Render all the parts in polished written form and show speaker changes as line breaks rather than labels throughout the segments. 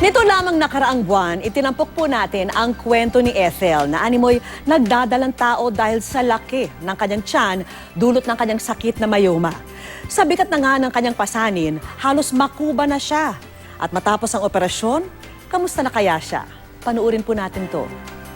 Nito lamang nakaraang buwan, itinampok po natin ang kwento ni Ethel na animoy nagdadalang tao dahil sa laki ng kanyang tiyan dulot ng kanyang sakit na mayoma. Sa bigat na nga ng kanyang pasanin, halos makuba na siya. At matapos ang operasyon, kamusta na kaya siya? Panuurin po natin to.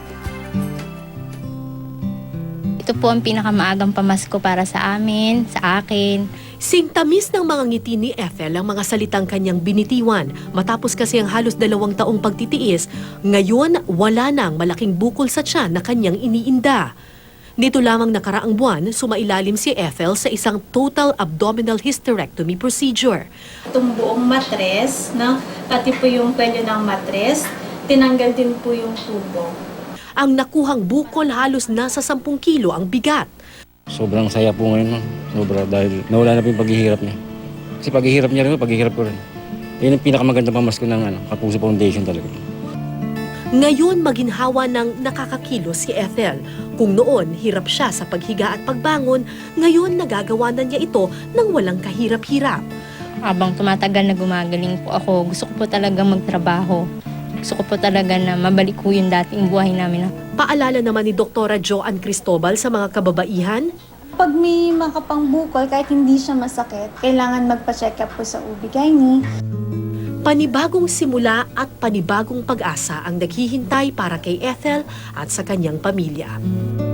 Ito po ang pinakamaagang pamasko para sa amin, sa akin.
Singtamis ng mga ngiti ni Ethel ang mga salitang kanyang binitiwan. Matapos kasi ang halos 2 taong pagtitiis, ngayon wala nang malaking bukol sa tiyan na kanyang iniinda. Nito lamang nakaraang buwan, sumailalim si Ethel sa isang total abdominal hysterectomy procedure.
Itong buong matres, no? Pati po yung kwelyo ng matres, tinanggal din po yung tubo.
Ang nakuhang bukol halos nasa 10 kilo ang bigat.
Sobrang saya po ngayon, ma'am. Sobra dahil nawala na po yung paghihirap niya. Kasi paghihirap niya rin, paghihirap ko rin. Yun ang pinakamagandang pamasko ng Kapuso Foundation talaga.
Ngayon maginhawa ng nakakakilos si Ethel. Kung noon hirap siya sa paghiga at pagbangon, ngayon nagagawa na niya ito nang walang kahirap-hirap.
Habang tumatagal na gumagaling po ako, gusto ko po talagang magtrabaho. Gusto ko po talaga na mabalik ko yung dating buhay namin.
Paalala naman ni Dr. Joanne Cristobal sa mga kababaihan,
Pag may makapangbukol, kahit hindi siya masakit, kailangan magpa-check up po sa OB-GYN.
panibagong simula at panibagong pag-asa ang naghihintay para kay Ethel at sa kanyang pamilya.